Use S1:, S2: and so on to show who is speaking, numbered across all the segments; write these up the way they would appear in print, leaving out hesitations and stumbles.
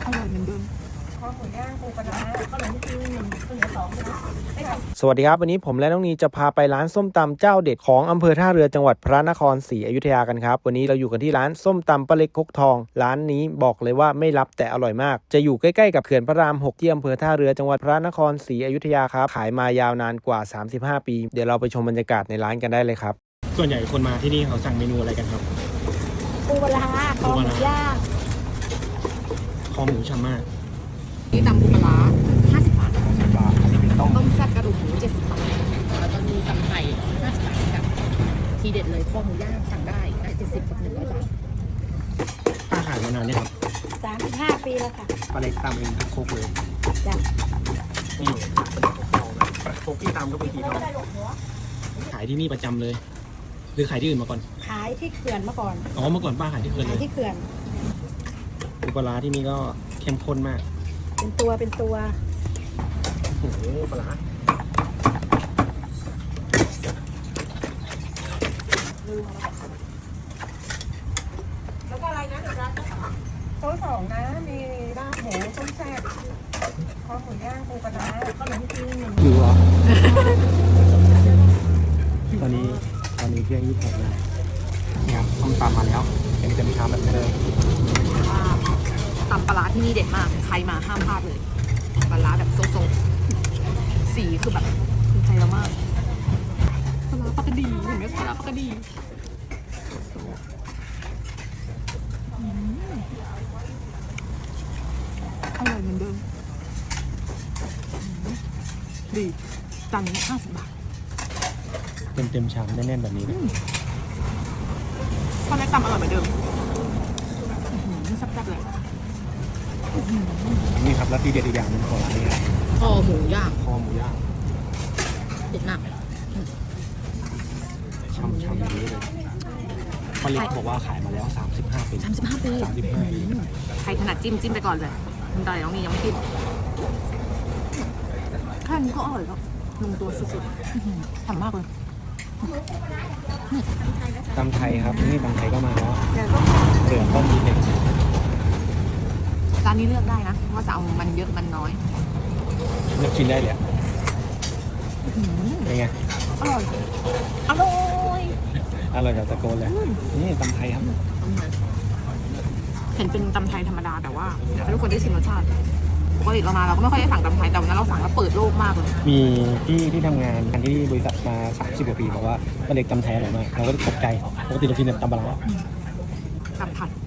S1: อร่อยเหมือนเดิม
S2: ข้าวหมูย่างปูปลาร้าข้าวเหนียวที่1ข้าวเหนียว2นะ
S3: สวัสดีครับวันนี้ผมและน้องนีจะพาไปร้านส้มตำเจ้าเด็ดของอำเภอท่าเรือจังหวัดพระนครศรีอยุธยากันครับวันนี้เราอยู่กันที่ร้านส้มตำป้าเล็กคกทองร้านนี้บอกเลยว่าไม่รับแต่อร่อยมากจะอยู่ใกล้ๆกับเขื่อนพระราม6ที่อำเภอท่าเรือจังหวัดพระนครศรีอยุธยาครับขายมายาวนานกว่า35ปีเดี๋ยวเราไปชมบรรยากาศในร้านกันได้เลยครับส่วนใหญ่คนมาที่นี่เขาสั่งเมนูอะไรกันครับ
S2: ปูปลาร้าคอหมูย่าง
S3: คอหมูฉ่ำมาก
S1: นี่ตำปูปลาร้า50 บาท
S3: ต้อง
S1: ต้มแซ่บกระดูกหมู70 บาทแล้วก็มีตำไทย50 บาทกับทีเด็ดเลยคอหมูย่างสั่งได้70 กับ100 บาท
S3: ป้าขายมานานเนี่ยครับ
S2: 35 ปีแล้วค่ะ
S3: ป้าเล็กตำเองทั้งโคกเลย
S2: จ้ะ
S3: นี่โคกที่ตำก็เป็นทีทองขายที่นี่ประจำเลยหรือขายที่อื่นมาก่อน
S2: ขายที่เขื่อนมาก่อน
S3: อ๋อเมื่อก่อนป้าขายที่เขื่อน
S2: ขายที่เขื่อน
S3: ปูปลาร้าที่นี่ก็เข้มข้นมาก
S2: เป็นตัว
S3: โอ้โหปลาร้า
S2: แล้วก็อะไรนะโต๊ะ2นะมีลาบหมูต้มแซ่บข้าวหมูย่างปูปลาร้าข้าวเหนียวที่1
S3: หิวเหรอตอนนี้เที่ยง26นะนี่ครับส้มตำมาแล้วเต็มชามแบบนี้เลย
S1: ตำปลาร้าที่นี่เด็ดมากใครมาห้ามพลาดเลยปลาร้าแบบโซๆสีคือแบบถูกใจเรามากปลาร้าปกติเห็นไหมปลาร้าปกติอร่อยเหมือนเดิมดีจานนี้50 บาท
S3: เต็มชามแน่นๆแบบนี้เลย
S1: ข้าวแรกตำอร่อยเหมือนเดิมแซ่บๆเลย
S3: นี่ครับแล้วที่เด็ดอีกอย่างนึงของร้านนี้ครับ
S1: คอหมูย่างเด็ดมาก
S3: ช่ำอย่างนี้เลยป้าเล็กบอกว่าขายมาแล้ว35 ปี
S1: ใครถนัดจิ้มไปก่อนเลยคุณตาน้องนี่ยังไม่จิ้มแค่นี้ก็อร่อยแล้วลงตัวสุดๆทำมากเลย
S3: ตำไทยครับนี่ตำไทยก็มาแล้วเหลือต้มนิดนึง
S1: ร้านนี้เลือกได้นะว่าจะเอามันเยอะมันน้อย
S3: เลือกกินได้เลยเป็นไง
S1: อร่อย
S3: แบบตะโกนเลยนี่ตำไทยครับ
S1: เห็นเป็นตำไทยธรรมดาแต่ว่าอยากให้ทุกคนได้ชิมรสชาติปกติเรามาเราก็ไม่ค่อยได้สั่งตำไทยแต่วันนั้นเราสั่งแล้วเปิดโลกมากเลย
S3: มีที่ทำงานที่บริษัทมา30 กว่าปีบอกว่าป้าเล็กตำไทยอร่อยมากเราก็ตกใจปกติเรากินแต่ตำปลาร้า
S1: ตำผัด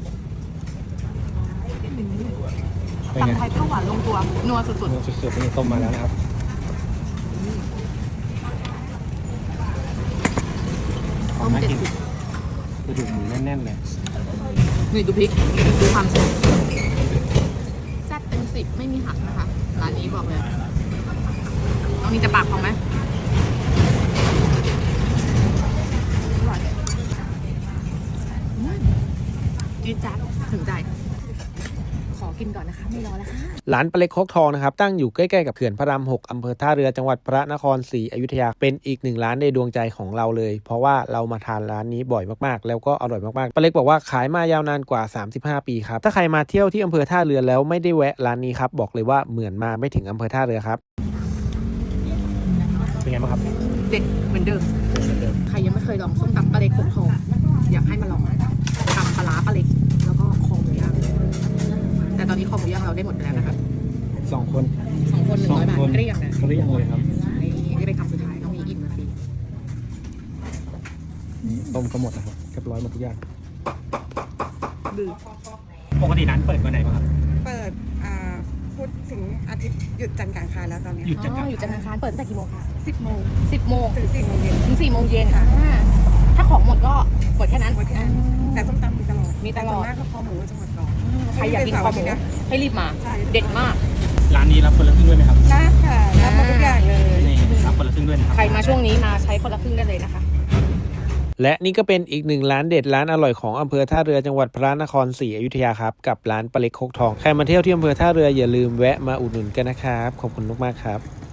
S1: ตำไทยข้าวหวานลงตัวนัวสุด
S3: ๆนี่ต้มมาแล้วนะครับ
S1: ต้ม70
S3: กระดูกหมูแน่นๆเลย
S1: นี่ดูพริกดูความแซ่บแซ่บเป็น10ไม่มีหักนะคะร้านนี้บอกเลยน้องนี่จะปากพองไหมอร่อยจี๊ดจ๊าดถึงใจขอกินก่อนนะคะไม่รอแล้วค่ะ
S3: ร้านป้าเล็กคกทองนะครับตั้งอยู่ใกล้ๆกับเขื่อนพระราม6อำเภอท่าเรือจังหวัดพระนครศรีอยุธยาเป็นอีกหนึ่งร้านในดวงใจของเราเลยเพราะว่าเรามาทานร้านนี้บ่อยมากๆแล้วก็อร่อยมากๆป้าเล็กบอกว่าขายมายาวนานกว่า35 ปีครับถ้าใครมาเที่ยวที่อำเภอท่าเรือแล้วไม่ได้แวะร้านนี้ครับบอกเลยว่าเหมือนมาไม่ถึงอำเภอท่าเรือครับเป็นไงบ้างครับ
S1: เด็ดเหมือนเดิมใครยังไม่เคยลองส้มตำป้าเล็กคกทองอยากให้มาลองตำปลาร้าป้าเล็กแล้วก็คอหมูย่างแต่ตอนนี้คอหมูย่างเราได้หมดไปแล้วนะครับ
S3: 2 คน
S1: 100 บาทเกลี้ยงนะ
S3: เกลี้ยงเลยครับ
S1: นี่เป็นคำสุดท้ายน้องมีอิ่มนะพี่
S3: ต้มก็หมดนะครับเรียบร้อยหมดทุกอย่าง
S1: ดื้อ
S3: ปกติร้านเปิดวันไหนบ้างครับ
S2: เปิดพุธถึงอาทิตย์หยุดจันทร์กลางคืนแล้วตอนนี้
S3: หยุดจันทร์
S1: กลางคืนเปิดตั้งแต่กี่โมงคะ
S2: 10 โมง
S1: ถึง4 โมงเย็น
S2: ค่ะ
S1: ถ้าของหมดก็หมดแค่นั้น
S2: แต่ส้มตำมีตลอด
S1: มาก
S2: ก็คอหมูจะหมดก่อน
S1: ใครอยากกินคอหมูให้รีบมาเด็ดมาก
S3: ร้านนี้รับคนละครึ่งด้วยไหมครับ
S2: รับค่ะรับมาทุกอย่างเลย
S3: รับคนละครึ่งด้วยนะครับ
S1: ใครมาช่วงนี้มาใช้คนละครึ่งได้เลยนะคะ
S3: และนี่ก็เป็นอีกหนึ่งร้านเด็ดร้านอร่อยของอำเภอท่าเรือจังหวัดพระนครศรีอยุธยาครับกับร้านป้าเล็กคกทองใครมาเที่ยวที่อำเภอท่าเรืออย่าลืมแวะมาอุดหนุนกันนะครับขอบคุณมากๆครับ